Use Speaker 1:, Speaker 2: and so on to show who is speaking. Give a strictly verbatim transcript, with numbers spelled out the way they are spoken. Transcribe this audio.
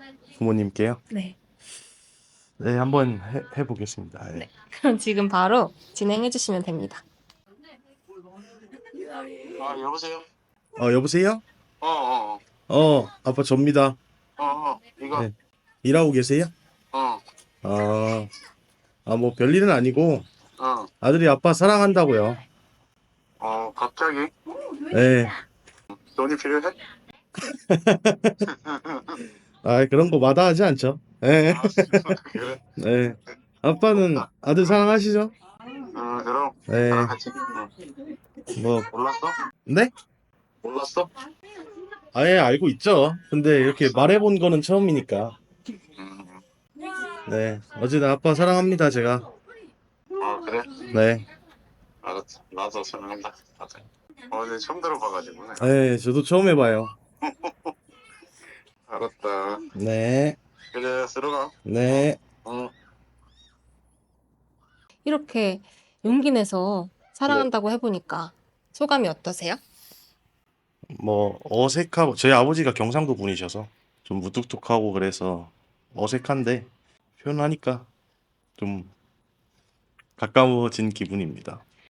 Speaker 1: 부모님께요?
Speaker 2: 네.
Speaker 1: 네, 한번 해, 해보겠습니다. 예.
Speaker 2: 네. 그럼 지금 바로 진행해 주시면 됩니다.
Speaker 3: 아, 여보세요?
Speaker 1: 어, 여보세요?
Speaker 3: 어, 어,
Speaker 1: 어, 아빠 접니다.
Speaker 3: 어, 어, 이거,
Speaker 1: 네. 일하고 계세요?
Speaker 3: 어,
Speaker 1: 아, 아, 뭐 별일은 아니고
Speaker 3: 어,
Speaker 1: 아들이 아빠 사랑한다고요.
Speaker 3: 어, 갑자기
Speaker 1: 네.
Speaker 3: 돈이 필요해?
Speaker 1: 아, 그런 거 마다하지 않죠. 네.
Speaker 3: 아, 그래?
Speaker 1: 네. 아빠는
Speaker 3: 없다.
Speaker 1: 아들 사랑하시죠?
Speaker 3: 어, 그럼,
Speaker 1: 네.
Speaker 3: 나랑 같이. 응.
Speaker 1: 뭐,
Speaker 3: 몰랐어?
Speaker 1: 네?
Speaker 3: 몰랐어?
Speaker 1: 아예 알고 있죠. 근데 이렇게 말해본 거는 처음이니까.
Speaker 3: 음,
Speaker 1: 네. 어쨌든 아빠 사랑합니다, 제가.
Speaker 3: 아, 그래?
Speaker 1: 네.
Speaker 3: 알았어. 나도 설명한다. 맞아. 어, 근데 처음 들어봐가지고.
Speaker 1: 네, 저도 처음 해봐요.
Speaker 3: 알았다.
Speaker 1: 네.
Speaker 3: 그래, 들어가.
Speaker 1: 네.
Speaker 3: 응.
Speaker 2: 이렇게 용기 내서
Speaker 1: 네.
Speaker 2: 사랑한다고 해보니까 소감이 어떠세요?
Speaker 1: 뭐 어색하고 저희 아버지가 경상도 분이셔서 좀 무뚝뚝하고 그래서 어색한데 표현하니까 좀 가까워진 기분입니다.